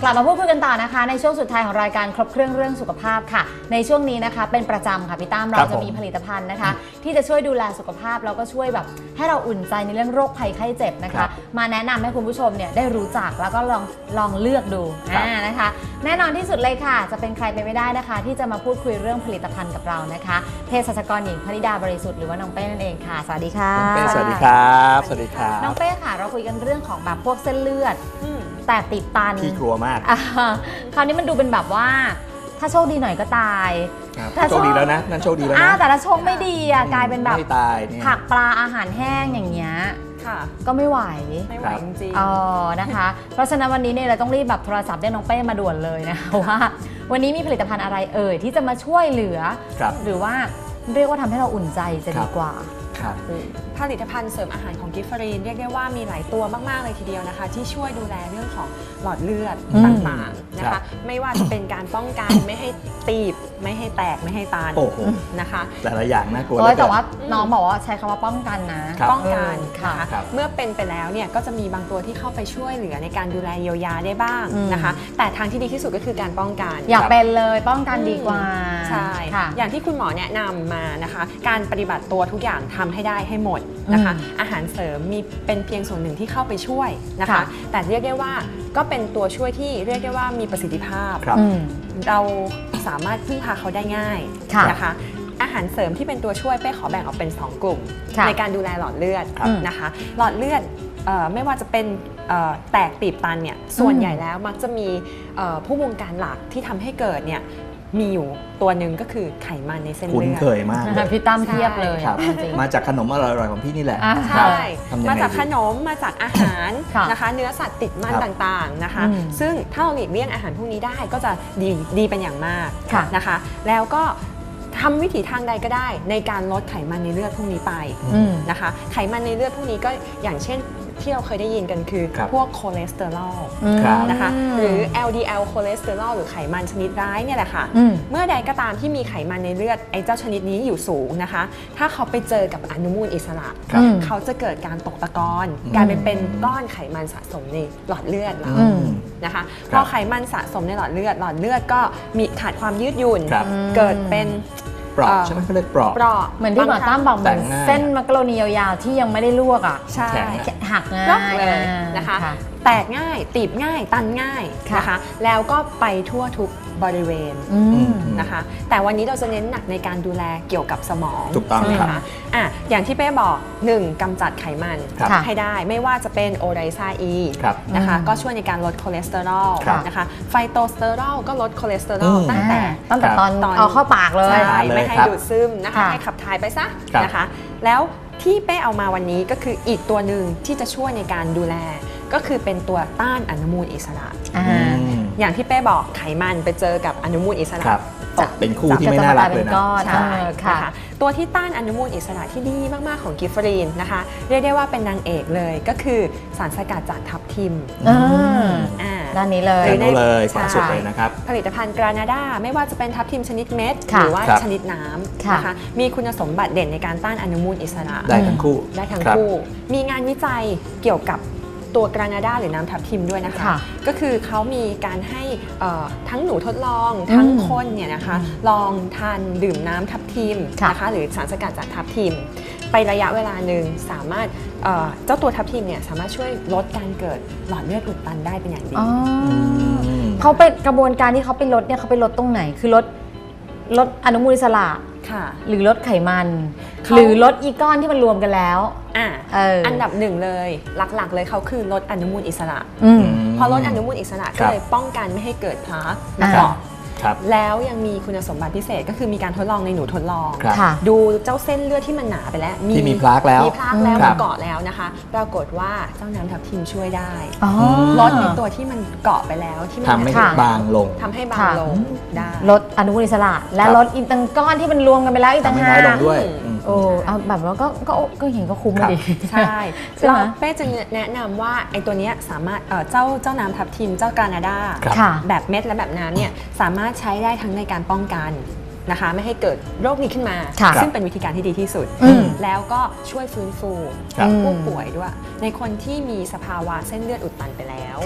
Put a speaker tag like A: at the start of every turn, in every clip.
A: กลับมาพูดคุยกันต่อนะคะในช่วงสุดท้ายของรายการครบเครื่องเรื่องสุขภาพค่ะในช่วงนี้นะคะเป็นประจำค่ะพี่ตั้มเราจะมีผลิตภัณฑ์นะคะที่จะช่วยดูแลสุขภาพแล้วก็ช่วยแบบให้เราอุ่นใจในเรื่องโรคภัยไข้เจ็บนะคะมาแนะนำให้คุณผู้ชมเนี่ยได้รู้จักแล้วก็ลองเลือกดูนะคะแน่นอนที่สุดเลยค่ะจะเป็นใครไปไม่ได้นะคะที่จะมาพูดคุยเรื่องผลิตภัณฑ์กับเรานะคะเภสัชกรหญิงพนิดาบริสุทธิ์หรือว่าน้องเป้นั่นเองค่ะสวัสดีค่ะ
B: น้องเป้สวัสดีครับสวัสดีครับ
A: น้องเป้ค่ะเราคุยกันเรื่องของแบบพวกเส้นเลือดแต่ติดตัน
B: พี่กลัวมาก
A: คราวนี้มันดูเป็นแบบว่าถ้าโชคดีหน่อยก็ตาย
B: โชคดีแล้วนะนั่นโชคดีแล้วนะ
A: แต่ถ้าโชคไม่ดีกลายเป็นแบบ
B: ไม่ตาย
A: ผักปลาอาหารแห้งอย่างเงี้ยก็ไม่ไหว
C: จริง
A: ๆนะคะเพราะฉะนั้นวันนี้เนี่ยเราต้องรีบแบบโทรศัพท์เรียกน้องเป้มาด่วนเลยนะว่าวันนี้มีผลิตภัณฑ์อะไรที่จะมาช่วยเหลือหรือว่าเรียกว่าทำให้เราอุ่นใจจะดีกว่า
C: ผลิตภัณฑ์เสริมอาหารของกิฟฟรีนเรียกได้ว่ามีหลายตัวมากๆเลยทีเดียวนะคะที่ช่วยดูแลเรื่องของหลอดเลือดต่างๆนะคะไม่ว่าจะเป็นการป้องกันไม่ให้ตีบไม่ให้แตกไม่ให้ตันนะคะ
B: แต่ละอย่างน่ากลัว
A: แต่ว่าน้องบอกว่าใช้คำว่าป้องกันนะ
C: ป้องกันค่ะเมื่อเป็นไปแล้วเนี่ยก็จะมีบางตัวที่เข้าไปช่วยเหลือในการดูแลเยียวยาได้บ้างนะคะแต่ทางที่ดีที่สุดก็คือการป้องกัน
A: อย่าเป็นเลยป้องกันดีกว่า
C: ใช่อย่างที่คุณหมอแนะนำมานะคะการปฏิบัติตัวทุกอย่างทำให้ได้ให้หมดนะคะอาหารเสริมมีเป็นเพียงส่วนหนึ่งที่เข้าไปช่วยนะคะแต่เรียกได้ว่าก็เป็นตัวช่วยที่เรียกได้ว่ามีประสิทธิภาพเราสามารถพึ่งพาเขาได้ง่ายนะคะอาหารเสริมที่เป็นตัวช่วยเป้ขอแบ่งออกเป็น2กลุ่มในการดูแลหลอดเลือดนะคะหลอดเลือดไม่ว่าจะเป็นแตกตีบตันเนี่ยส่วนใหญ่แล้วมักจะมีผู้บงการหลักที่ทำให้เกิดเนี่ยมีอยู่ตัวหนึ่งก็คือไขมันในเส้นเลือด
B: คุ้นเคยมาก
A: พี่ตั้มเทียบเลย
B: มาจากขนมอร่อยๆของพี่นี่แหละ
C: ใช่มาจากขนมมาจากอาหารนะคะเนื้อสัตว์ติดมันต่างๆนะคะซึ่งถ้าเราหลีกเลี่ยงอาหารพวกนี้ได้ก็จะดีเป็นอย่างมากนะคะแล้วก็ทำวิถีทางใดก็ได้ในการลดไขมันในเลือดพวกนี้ไปนะคะไขมันในเลือดพวกนี้ก็อย่างเช่นที่เราเคยได้ยินกันคือพวกคอเลสเตอรอลนะคะหรือ LDL คอเลสเตอรอลหรือไขมันชนิดร้ายเนี่ยแหละค่ะเมื่อใดก็ตามที่มีไขมันในเลือดไอ้เจ้าชนิดนี้อยู่สูงนะคะถ้าเขาไปเจอกับอนุมูลอิสระเขาจะเกิดการตกตะกอนกลายเป็นก้อนไขมันสะสมในหลอดเลือดเรานะคะพอไขมันสะสมในหลอดเลือดก็มีขาดความยืดหยุ่นเกิดเป็น
B: เปราะใช่ไหมเขาเรียกเปราะ
A: เหมือนที่หมอตั้มบอกเหมือนเส้นมักกะโรนียาวๆที่ยังไม่ได้ลวก
C: ใช่
A: หักง่าย
C: เลยนะคะแตกง่ายตีบง่ายตันง่ายนะคะแล้วก็ไปทั่วทุกบริเวณนะคะแต่วันนี้เราจะเน้นหนักในการดูแลเกี่ยวกับสมอง
B: ถูกต้อง
C: ค่ะอย่างที่เป้บอก1กำจัดไขมันให้ได้ไม่ว่าจะเป็นโอไรซาอีนะคะก็ช่วยในการลดคอเลสเตอรอลนะคะไฟโตสเตอรอลก็ลดคอเลสเตอรอลตั้งแต่
A: ตอนเอาเข้าปากเลย
C: ไม่ให้ดูดซึมนะคะให้ขับถ่ายไปซะนะคะแล้วที่เป้เอามาวันนี้ก็คืออีกตัวหนึ่งที่จะช่วยในการดูแลก็คือเป็นตัวต้านอนุมูลอิสระอย่างที่เป้บอกไขมันไปเจอกับอนุมูลอิสระ
B: จะเป็นคู่ที่ไม่น่ารักเลยนะ
C: ใช่ค่ะตัวที่ต้านอนุมูลอิสระที่ดีมากๆของกิฟฟรีนนะคะเรียกได้ว่าเป็นนางเอกเลยก็คือสารสกัดจากทับทิม
A: ด้านนี้เลย
B: ขวาสุดเลยนะครับ
C: ผลิตภัณฑ์กรานาดาไม่ว่าจะเป็นทับทิมชนิดเม็ดหรือว่าชนิดน้ำนะคะมีคุณสมบัติเด่นในการต้านอนุมูลอิสระ
B: ได้ทั้งคู่
C: มีงานวิจัยเกี่ยวกับตัวกรานาดาหรือน้ำทับทิมด้วยนะคะก็คือเขามีการให้ทั้งหนูทดลองทั้งคนเนี่ยนะคะลองทานดื่มน้ำทับทิมนะคะหรือสารสกัดจากทับทิมไประยะเวลาหนึ่งสามารถเจ้าตัวทับทิมเนี่ยสามารถช่วยลดการเกิดหลอดเลือดอุดตันได้เป็นอย่างดี
A: เขาไปกระบวนการที่เขาไปลดเนี่ยเขาไปลดตรงไหนคือลดอนุมูลอิสระหรือลดไขมันหรือลดอีก้อนที่มันรวมกันแล้ว
C: อันดับหนึ่งเลยหลักๆเลยเขาคือลดอนุมูลอิสระพอลดอนุมูลอิสระก็เลยป้องกันไม่ให้เกิดพลาสมาเกาะแล้วยังมีคุณสมบัติพิเศษก็คือมีการทดลองในหนูทดลองดูเจ้าเส้นเลือดที่มันหนาไปแล้ว
B: มีพลาสแล้ว
C: มันเกาะแล้วนะคะปรากฏว่าเจ้าน้ำทับทิมช่วยได้ลดในตัวที่มันเกาะไปแล้วที่มัน
B: ทำให้บางลง
C: ได้
A: ลดอนุมูลอิสระและลดอีกตั้งก้อนที่มันรวมกันไปแล้วอีกตั้งห้า
B: ด้วย
A: เอาแบบว่าก็เห็นก็คุ้มดี
C: ใช่แล้วเป้จะแนะนำว่าไอ้ตัวนี้สามารถเจ้าน้ำทับทิมเจ้ากรานาดาแบบเม็ดและแบบน้ำเนี่ยสามารถใช้ได้ทั้งในการป้องกันนะคะไม่ให้เกิดโรคนี้ขึ้นมาซึ่งเป็นวิธีการที่ดีที่สุดแล้วก็ช่วยฟื้นฟูผู้ป่วยด้วยในคนที่มีสภาวะเส้นเลือดอุดตันไปแล้ว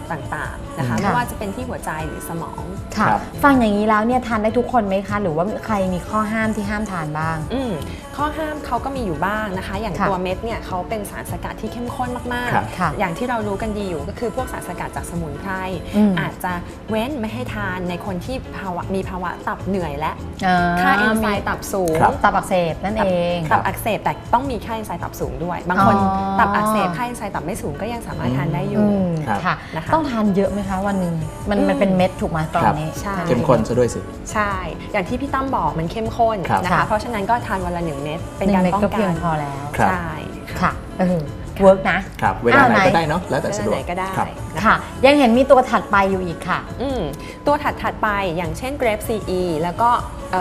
C: ต่างๆนะคะ
A: ค่ะ
C: ไม่ว่าจะเป็นที่หัวใจหรือสมอง
A: ค่ะ
B: ครับ
A: ฟังอย่างนี้แล้วเนี่ยทานได้ทุกคนไหมคะ หรือว่าใครมีข้อห้ามที่ห้ามทานบ้าง
C: ข้อห้ามเขาก็มีอยู่บ้างนะคะ อย่าง
A: ค่ะ
C: ตัวเม็ดเนี่ยเขาเป็นสารสกัดที่เข้มข้นมาก
B: ครับ
A: ค่ะ
C: ๆ อย่างที่เรารู้กันดีอยู่ก็คือพวกสารสกัดจากสมุนไพร อาจจะเว้นไม่ให้ทานในคนที่มีภาวะตับเหนื่อยและค่าเอนไซม์ตับสูง
B: ครับ
A: ตับอักเสบนั่นเอง
C: ตับอักเสบแต่ต้องมีค่าเอนไซม์ตับสูงด้วย บางคน
A: อ๋อ
C: ตับอักเสบค่าเอนไซม์ตับไม่สูงก็ยังสามารถทานได้อยู่
B: ครับ
A: ค่ะ
C: นะคะ
A: ต้องทานเยอะไหมคะวันหนึ่งมันเป็นเม็ดถูกไหมกล่องนี้
C: ใช่
B: เข้มข้นซะด้วยสิ
C: ใช่ อย่างที่พี่ตั้มบอกมันเข้มข้น
B: ครับ
C: นะ
A: ค่ะ
C: คะ เพราะฉะนั้นก็ทานวันละ1 เม็ดเป็น
A: หนึ่
C: กาง ร
A: เม็ด
C: ป้อง
A: ก็
C: กั
A: เพียง
C: น
A: พอแล้ว
B: ครับ
C: ใช่ค่ะ
A: ค่ะเวิร์กนะ
B: ครับเวลาไหน
A: ไหน
B: ก็ได้เนาะแล้วแต่
C: เว
B: สะ
C: ลา
B: ดว
C: ไห
B: ก
C: นก็ได้
B: ครับ
C: นะ
A: ค่ะ
C: คะ
A: ยังเห็นมีตัวถัดไปอยู่อีกค่ะ
C: ตัวถัดไปอย่างเช่น Grape CE แล้วก็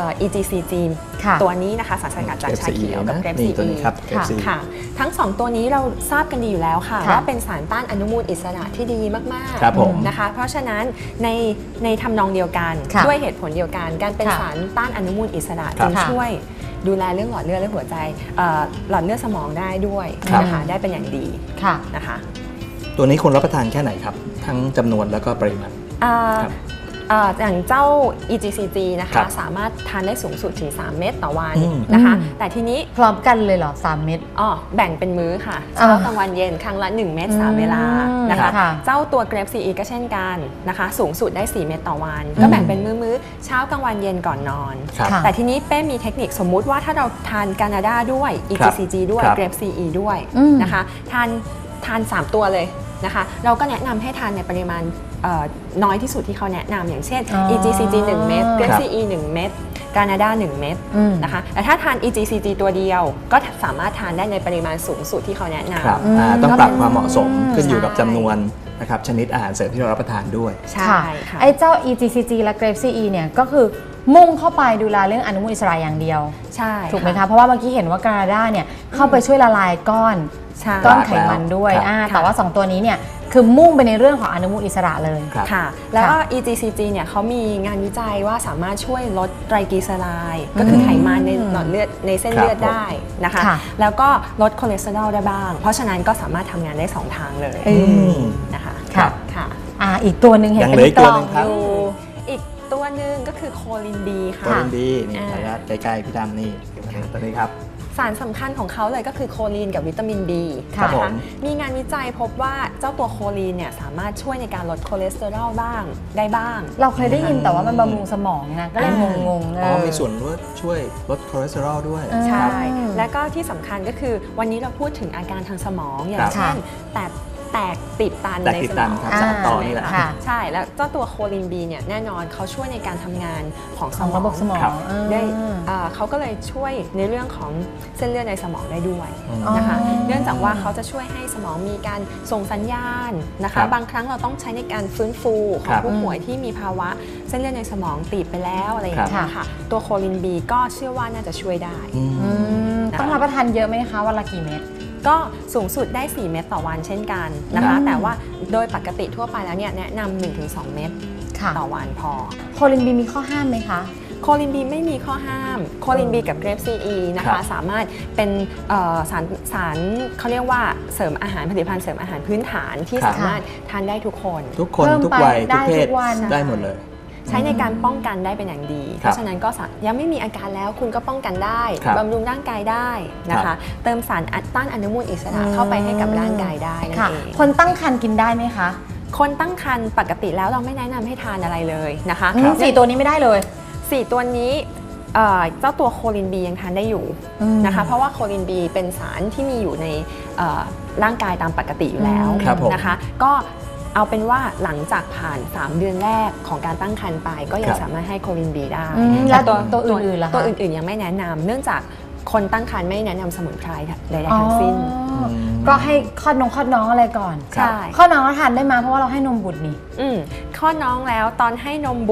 C: EGCG
A: ค่ะ
C: ตัวนี้นะคะสารสกัดจากชาเขียวกับ Grape
B: นี่ตัว
C: CE
B: นี้ครับ
A: ค่ะ
B: CE
C: ค่ะ ทั้ง 2 ตัวนี้เราทราบกันดีอยู่แล้วค่ะ
A: ค่ะ
C: ว่าเป็นสารต้านอนุมูลอิสระที่ดีมาก
B: ครับผม
C: นะคะ เพราะฉะนั้นในทำนองเดียวกัน
A: ค่ะ
C: ด้วยเหตุผลเดียวกัน การเป็น
A: ค่ะ
C: สารต้านอนุมูลอิสระ
B: ครับ
C: จึงช่วยดูแลเรื่องหลอดเลือดและหัวใจหลอดเลือดสมองได้ด้วย
B: ครับ
C: นะคะได้เป็นอย่างดี
A: ค่ะ
C: นะคะ
B: ตัวนี้ควรรับประทานแค่ไหนครับ ทั้งจำนวนแล้วก็ปริมาณ ครับ
C: อย่างเจ้า EGCG นะ
B: ครั
C: คะ
B: บ
C: สามารถทานได้สูงสุดถึง 3 เม็ดต่อวัน
B: อืม
C: นะคะ
A: อืม
C: แต่ทีนี้
A: พร้อมกันเลยเหรอ3 เม็ด
C: แบ่งเป็นมื้อค่ะ
A: อ่า
C: เช้ากลางวันเย็นครั้งละ 1 เม็ด3 เวลานะคะ
A: ค่ะ
C: เจ้าตัว Grape CE ก็เช่นกันนะคะสูงสุดได้ 4 เม็ดต่อวัน ก็แบ่งเป็นมื้อเช้ากลางวันเย็นก่อนนอน
B: ครับ
A: ค่ะ
C: แต่ทีนี้เป้มีเทคนิคสมมุติว่าถ้าเราทานกานาดาด้วย EGCG ด้วย
B: ครับ
C: Grape CE ด้วย
A: อืม
C: นะคะทาน 3 ตัวเลยนะคะเราก็แนะนำให้ทานในปริมาณน้อยที่สุดที่เขาแนะนำอย่างเช่น
A: อ๋อ
C: EGCG 1 เม็ด
B: ค
C: Grape
B: รับ
C: CE 1 เม็ดกานาดา1 เม็ด
A: อืม
C: นะคะแต่ถ้าทาน EGCG ตัวเดียวก็สามารถทานได้ในปริมาณสูงสุดที่เขาแนะนำ
B: ครับ
A: อืม
B: ต้องปรับความเหมาะสมขึ้นอยู่กับ
C: ใช่
B: จำนวนนะครับชนิดอาหารเสริมที่เรารับประทานด้วย
C: ใช่ค่ะ
A: ไอ้เจ้า EGCG และ Grape CE เนี่ยก็คือมุ่งเข้าไปดูแลเรื่องอนุมูลอิสระอย่างเดียว
C: ใช่
A: ถูกไหมคะ เพราะว่าเมื่อกี้เห็นว่ากานาดาเนี่ยเข้าไปช่วยละลายก้อน
C: ใช่
A: ก้อนไขมันด้วย
B: ครับ
A: แต่ว่า 2 ตัวนี้เนี่ยคือมุ่งไปในเรื่องของอนุมูลอิสระเลย
B: ครับ
C: ค่ะ แล้วก็ EGCG เนี่ยเขามีงานวิจัยว่าสามารถช่วยลดไตรกลีเซอไรด์ก็คือไขมันในหลอดเลือดในเส้นเลือด
B: ครับ
C: ได้นะคะ
A: ค่ะ
C: แล้วก็ลดคอเลสเตอรอลได้บ้าง เพราะฉะนั้นก็สามารถทำงานได้ 2 ทางเลย
A: อืม
C: นะคะ
A: ค่ะ
C: ค่ะ
A: อีกตัวหนึ่งเห็น
B: ยัง
A: เป็
B: เหลืออี
A: น
B: ก
A: ก
B: ตัว
A: ล่อ
B: หนึ่
A: ง
B: งครับ
A: อยู่
C: อีกตัวหนึ่งก็คือโคลินบีค่ะ
B: โคลินดีนี่
C: อ่า
B: ระยะใกล้ๆพี่ดำนี่ตัวนี้ครับ
C: สารสำคัญของเขาเลยก็คือโคลีนกับวิตามิน B
B: ครับ
C: นะ
B: ผ
C: คะ
B: ม
C: มีงานวิจัยพบว่าเจ้าตัวโคลีนเนี่ยสามารถช่วยในการลดคอเลสเตอรอลบ้างได้บ้าง
A: เราเคยได้ยินแต่ว่ามันบำรุงสมองนะก็เลยงงๆ
B: อ๋อมีส่วนช่วยลดคอเลสเตอรอลด้วย
C: ใช่
A: อืม
C: และก็ที่สำคัญก็คือวันนี้เราพูดถึงอาการทางสมองอย่า
B: ครั
C: ง
B: บ
C: เช่นแตกติดตัน
B: แตก
C: ใน
B: ติด
C: ส
B: ตั
C: ม
B: น
C: อง
B: ครับสารต่อนี่แหละ
A: ค่ะ
C: ใช่แล้วเจ้าตัวโคลินบีเนี่ยแน่นอนเขาช่วยในการทำงานของส
A: ของ
C: มอง
A: ระบบสมอง
B: ครับ
C: ได้เขาก็เลยช่วยในเรื่องของเส้นเลือดในสมองได้ด้วย
B: อืม
C: นะคะ
A: อ๋อ
C: เนื่องจากว่าเขาจะช่วยให้สมองมีการส่งสัญญาณนะ
B: ครั
C: คะ
B: บ
C: บางครั้งเราต้องใช้ในการฟื้นฟูข
B: ค
C: อง
B: รับ
C: ผู้ป่วยที่มีภาวะเส้นเลือดในสมองตีบไปแล้วอะไรอย่างเงี้
A: ครั
C: ย
A: บ
C: ค่ะตัวโคลินบีก็เชื่อว่าน่าจะช่วยได้
B: อืม
A: อืมต้องรับประทานเยอะไหมคะวันละกี่เม็ด
C: ก็สูงสุดได้ 4 เม็ดต่อวันเช่นกันนะ
A: ครั
C: คะ
A: บ
C: แต่ว่าโดยปกติทั่วไปแล้วเนี่ยแนะนำ 1-2 เม็ด
A: ค่ะ
C: ต่อวันพอ
A: โคลินบีมีข้อห้ามไหมคะ
C: โคลินบีไม่มีข้อห้าม โคลินบีกับเกรปซีอีนะ
B: ครั
C: คะ
B: บ
C: สามารถเป็นสารเขาเรียกว่าเสริมอาหารผลิตภัณฑ์เสริมอาหารพื้นฐานที่
B: ครับ
C: สามารถทานได้ทุกคน
B: ทุกคน
A: เพิ่ม
B: ทุก
A: ไป
B: วัย
A: ได้
B: ทุกเพ
A: ทุ
B: ศ
A: กวัน
B: ได้หมดเลย
C: ใช้ในการป้องกันได้เป็นอย่างดี เพราะฉะนั้นก็ยังไม่มีอาการแล้วคุณก็ป้องกันได้
B: ครับ
C: บำรุงร่างกายได้นะ
B: ครั
C: คะ
B: บ
C: เติมสารต้านอนุมูลอิสระเข้าไปให้กับร่างกายได้นั่น
A: ค่ะ
C: เอง
A: คนตั้งครรภ์กินได้ไหมคะ
C: คนตั้งครรภ์ปกติแล้วเราไม่แนะนำให้ทานอะไรเลยนะคะ
A: 4 ตัวนี้ไม่ได้เลย
C: 4 ตัวนี้เจ้าตัวโคลินบียังทานได้อยู่
A: อืม
C: นะคะเพราะว่าโคลินบีเป็นสารที่มีอยู่ในร่างกายตามปกติอยู่แล้ว
B: ครับผม
C: นะคะก็เอาเป็นว่าหลังจากผ่าน 3 เดือนแรกของการตั้งครรภ์ไปก็ยั
B: ค
C: ง
B: รับ
C: สามารถให้โคลินบีได้
A: แล้วตัวอื่นๆล่ะคะ
C: ตัวอื่นๆยังไม่แนะนำเนื่องจากคนตั้งครรภ์ไม่แนะนำสมุนไพรใดๆทั้งสิ้น
A: อ๋อก็ให้คลอดน้องอะไรก่อน
C: ใช่
A: คลอดน้องก็ทานได้มาเพราะว่าเราให้นมบุตรนี่
C: คลอดน้องแล้วตอนให้นมบุตร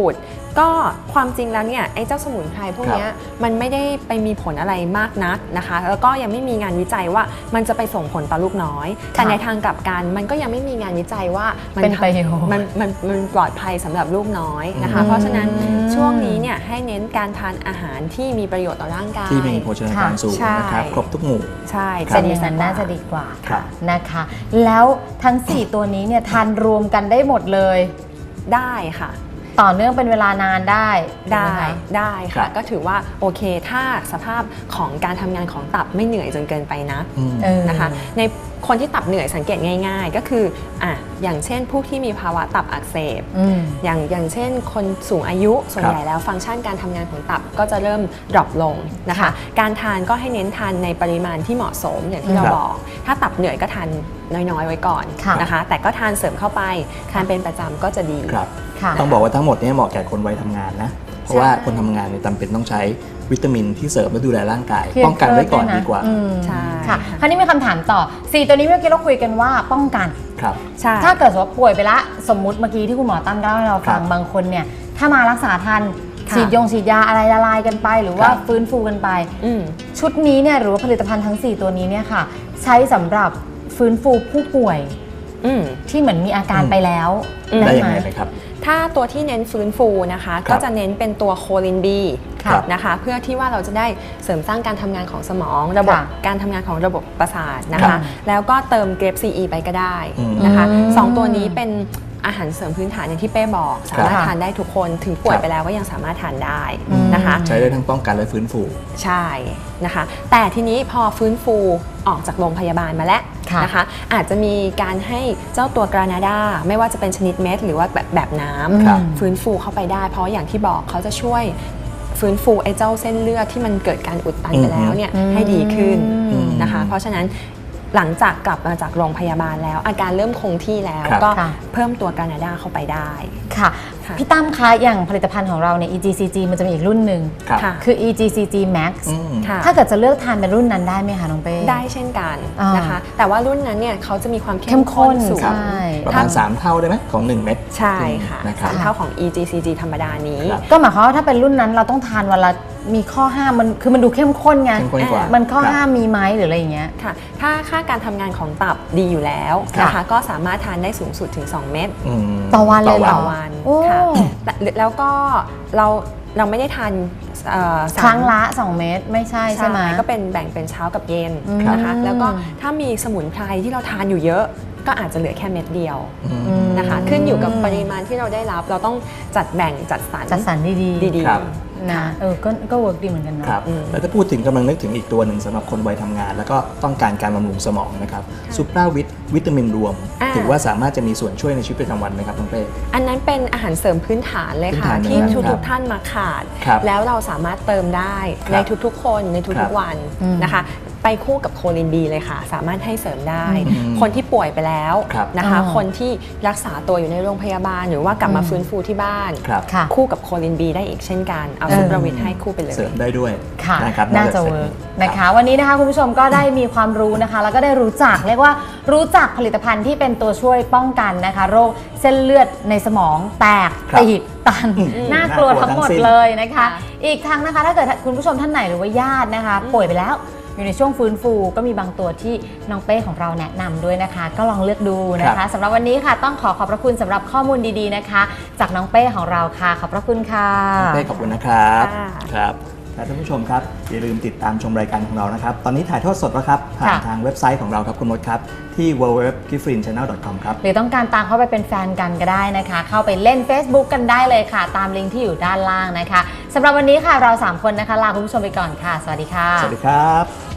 C: ก็ความจริงแล้วเนี่ยไอ้เจ้าสมุนไพรพวกเนี้ยมันไม่ได้ไปมีผลอะไรมากนักนะคะแล้วก็ยังไม่มีงานวิจัยว่ามันจะไปส่งผลต่อลูกน้อยแต่ในทางกลับกันมันก็ยังไม่มีงานวิจัยว่า
A: เป็นประโยชน์
C: มันปลอดภัยสำหรับลูกน้อยนะคะเพราะฉะนั้นช่วงนี้เนี่ยให้เน้นการทานอาหารที่มีประโยชน์ต่อร่างกาย
B: ที่มีโภชนาการสูงนะครับครบทุกหมู่
C: ใช่
A: จะดีน่าจะดีกว่านะคะแล้วทั้ง4ตัวนี้เนี่ยทานรวมกันได้หมดเลย
C: ได้ค่ะ
A: ต่อเนื่องเป็นเวลานานได้
C: ค่ะก็ถือว่าโอเคถ้าสภาพของการทำงานของตับไม่เหนื่อยจนเกินไปนะนะคะในคนที่ตับเหนื่อยสังเกตง่ายๆก็คืออย่างเช่นผู้ที่มีภาวะตับอักเสบอย่างเช่นคนสูงอายุส่วนใหญ่แล้วฟังก์ชันการทำงานของตับก็จะเริ่มดรอปลงนะคะการทานก็ให้เน้นทานในปริมาณที่เหมาะสมอย่างที่เราบอกถ้าตับเหนื่อยก็ทานน้อยๆไว้ก่อนนะคะแต่ก็ทานเสริมเข้าไปทานเป็นประจำก็จะดี
B: ต้องบอกว่าทั้งหมดนี้เหมาะแก่คนวัยทำงานนะเพราะว่าคนทำงานเนี่ยจำเป็นต้องใช้วิตามินที่เสริมและดูแลร่างกายป้องกันไว้ก่อนดีกว่า
A: ใช่ค่ะคราวนี้มีคำถามต่อ4ตัวนี้เมื่อกี้เราคุยกันว่าป้องกัน
B: ครับ
A: ใช่ถ้าเกิดว่าป่วยไปละสมมุติเมื่อกี้ที่คุณหมอตั้งเล่าให้เราฟังบางคนเนี่ยถ้ามารักษาทันฉีดยาอะไรละลายกันไปหรือว่าฟื้นฟูกันไปชุดนี้เนี่ยหรือว่าผลิตภัณฑ์ทั้ง4ตัวนี้เนี่ยค่ะใช้สำหรับฟื้นฟูผู้ป่วยที่เหมือนมีอาการไปแล้ว
B: ได้ยังไงไหมครับ
C: ถ้าตัวที่เน้นฟื้นฟูนะคะก็จะเน้นเป็นตัวโคลินบีนะคะเพื่อที่ว่าเราจะได้เสริมสร้างการทำงานของสมองระบบการทำงานของระบบประสาทนะคะแล้วก็เติมเกรปซีไปก็ได้นะคะ2ตัวนี้เป็นอาหารเสริมพื้นฐานอย่างที่เป้บอกสามารถทานได้ทุกคนถึงป่วยไปแล้วก็ยังสามารถทานได้นะคะ
B: ใช้ได้ทั้งป้องกันและฟื้นฟู
C: ใช่นะคะแต่ทีนี้พอฟื้นฟูออกจากโรงพยาบาลมาแล้วนะคะอาจจะมีการให้เจ้าตัวกรานาดาไม่ว่าจะเป็นชนิดเม็ดหรือว่าแบบน้ำฟื้นฟูเข้าไปได้เพราะอย่างที่บอกเขาจะช่วยฟื้นฟูไอ้เจ้าเส้นเลือดที่มันเกิดการอุดตันไปแล้วเนี่ยให้ดีขึ้นนะคะเพราะฉะนั้นหลังจากกลับมาจากโรงพยาบาลแล้วอาการเริ่มคงที่แล้วก็เพิ่มตัวกรานาดาเข้าไปได้
A: ค่ะพี่ตั้มคะอย่างผลิตภัณฑ์ของเราเนี่ย EGCG มันจะมีอีกรุ่นหนึ่งคือ EGCG Max ถ้าเกิดจะเลือกทานเป็นรุ่นนั้นได้ไหมคะน้องเป้
C: ได้เช่นกันนะคะแต่ว่ารุ่นนั้นเนี่ยเขาจะมีความเข้มข้นสูง
B: ประมาณ3 เท่าได้ไหมของ1 เม็ด
C: ใช่ค่ะ3 เท่าของ EGCG ธรรมดานี้
A: ก็หมายความว่าถ้าเป็นรุ่นนั้นเราต้องทานวันละมีข้อห้ามมันดูเข้มข้นไงมันข้อห้ามมีไหมหรืออะไรอย่างเงี้ย
C: ค่ะถ้าค่าการทำงานของตับดีอยู่แล้วนะคะก็สามารถทานได้สูงสุดถึง2 เม็ด
A: ต่อวันเลย
C: ต่อวันค่ะแล้วก็เราไม่ได้ทาน
A: ครั้งละ2 เม็ดไม่ใช่ใช่ไหม
C: ก็เป็นแบ่งเป็นเช้ากับเย็นนะคะแล้วก็ถ้ามีสมุนไพรที่เราทานอยู่เยอะก็อาจจะเหลือแค่เม็ดเดียวนะคะขึ้นอยู่กับปริมาณที่เราได้รับเราต้องจัดแบ่งจัดสรรดี
A: นะก็เวิร์กดีเหมือนกันเนาะ
B: แล้วถ้าพูดถึงกำลังนึกถึงอีกตัวหนึ่งสำหรับคนวัยทำงานแล้วก็ต้องการการบำรุงสมองนะครับซูเปอร์วิตามินรวมถือว่าสามารถจะมีส่วนช่วยในชีวิตประจำวันไหมครับน้องเป้
C: อันนั้นเป็นอาหารเสริมพื้นฐานเลยค่ะที่ทุกท่านมาขาดแล้วเราสามารถเติมได้ในทุกๆคนในทุกๆวันนะคะไปคู่กับโคลินบีเลยค่ะสามารถให้เสริมได้คนที่ป่วยไปแล้วนะคะคนที่รักษาตัวอยู่ในโรงพยาบาลหรือว่ากลับมาฟื้นฟูที่บ้านคู่กับโคลินบีได้อีกเช่นกันเอาซุปเปอร์วิตให้คู่ไปเลย
B: เสริมได้ด้วย
A: นะครับน่าจะเวิร์กนะคะวันนี้นะคะคุณผู้ชมก็ได้มีความรู้นะคะแล้วก็ได้รู้จักเรียกว่ารู้จักผลิตภัณฑ์ที่เป็นตัวช่วยป้องกันนะคะโรคเส้นเลือดในสมองแตกตีบตันน่ากลัวทั้งหมดเลยนะคะอีกทั้งนะคะถ้าเกิดคุณผู้ชมท่านไหนหรือว่าญาตินะคะป่วยไปแล้วอยู่ในช่วงฟื้นฟูก็มีบางตัวที่น้องเป้ของเราแนะนำด้วยนะคะก็ลองเลือกดูนะคะสำหรับวันนี้ค่ะต้องขอบพระคุณสำหรับข้อมูลดีๆนะคะจากน้องเป้ของเราค่ะขอบพระคุณค่ะ
B: น้องเป้ขอบคุณนะครับครับท่านผู้ชมครับอย่าลืมติดตามชมรายการของเรานะครับตอนนี้ถ่ายทอดสดแล้วครับผ่านทางเว็บไซต์ของเราครับคุณมดครับที่ www.gifrinchannel.com ครับ
A: หรือต้องการตามเข้าไปเป็นแฟนกันก็ได้นะคะเข้าไปเล่น Facebook กันได้เลยค่ะตามลิงก์ที่อยู่ด้านล่างนะคะสำหรับวันนี้ค่ะเรา3 คนนะคะลาคุณผู้ชมไปก่อนค่ะสวัสดีค่ะ
B: สวัสดีครับ